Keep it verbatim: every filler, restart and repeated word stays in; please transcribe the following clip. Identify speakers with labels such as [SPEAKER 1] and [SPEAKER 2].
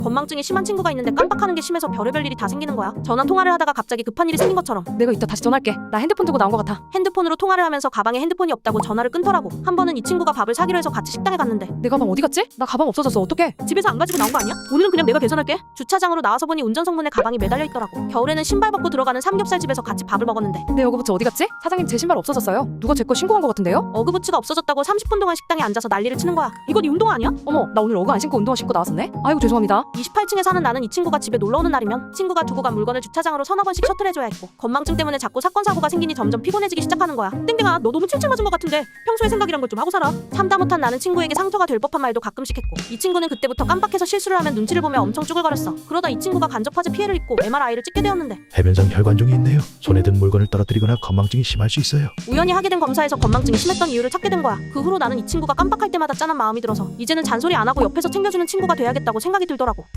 [SPEAKER 1] 건망증이 심한 친구가 있는데 깜빡하는 게 심해서 별의별 일이 다 생기는 거야. 전화 통화를 하다가 갑자기 급한 일이 생긴 것처럼.
[SPEAKER 2] 내가 이따 다시 전화할게. 나 핸드폰 두고 나온 것 같아.
[SPEAKER 1] 핸드폰으로 통화를 하면서 가방에 핸드폰이 없다고 전화를 끊더라고. 한 번은 이 친구가 밥을 사기로 해서 같이 식당에 갔는데
[SPEAKER 2] 내 가방 어디 갔지? 나 가방 없어졌어. 어떡해?
[SPEAKER 1] 집에서 안 가지고 나온 거 아니야? 오늘은 그냥 내가 계산할게. 주차장으로 나와서 보니 운전석문에 가방이 매달려 있더라고. 겨울에는 신발 벗고 들어가는 삼겹살 집에서 같이 밥을 먹었는데
[SPEAKER 2] 내 어그부츠 어디 갔지? 사장님 제 신발 없어졌어요. 누가 제 거 신고한 것 같은데요?
[SPEAKER 1] 어그부츠가 없어졌다고 삼십 분 동안 식당에 앉아서 난리를 치는 거야. 이거 네 운동화 아니야?
[SPEAKER 2] 어머, 나 오늘 어그 안 신고 운동화 신고 나왔었네? 아이고 죄송합니다.
[SPEAKER 1] 이십팔 층에 사는 나는 이 친구가 집에 놀러 오는 날이면 친구가 두고 간 물건을 주차장으로 서너 번씩 셔틀해줘야 했고, 건망증 때문에 자꾸 사건 사고가 생기니 점점 피곤해지기 시작하는 거야. 땡땡아, 너 너무 칠칠 맞은 것 같은데 평소에 생각이란 걸 좀 하고 살아. 참다 못한 나는 친구에게 상처가 될 법한 말도 가끔씩 했고, 이 친구는 그때부터 깜빡해서 실수를 하면 눈치를 보며 엄청 쭈글거렸어. 그러다 이 친구가 간접화재 피해를 입고 엠알아이를 찍게 되었는데
[SPEAKER 3] 해변상 혈관종이 있네요. 손에 든 물건을 떨어뜨리거나 건망증이 심할 수 있어요.
[SPEAKER 1] 우연히 하게 된 검사에서 건망증이 심했던 이유를 찾게 된 거야. 그 후로 나는 이 친구가 깜빡할 때마다 짠한 마음이 들어서 이제는 잔소리 안 하고 옆에서 챙겨주는 친구가 돼야겠다고 생각이 들더라고.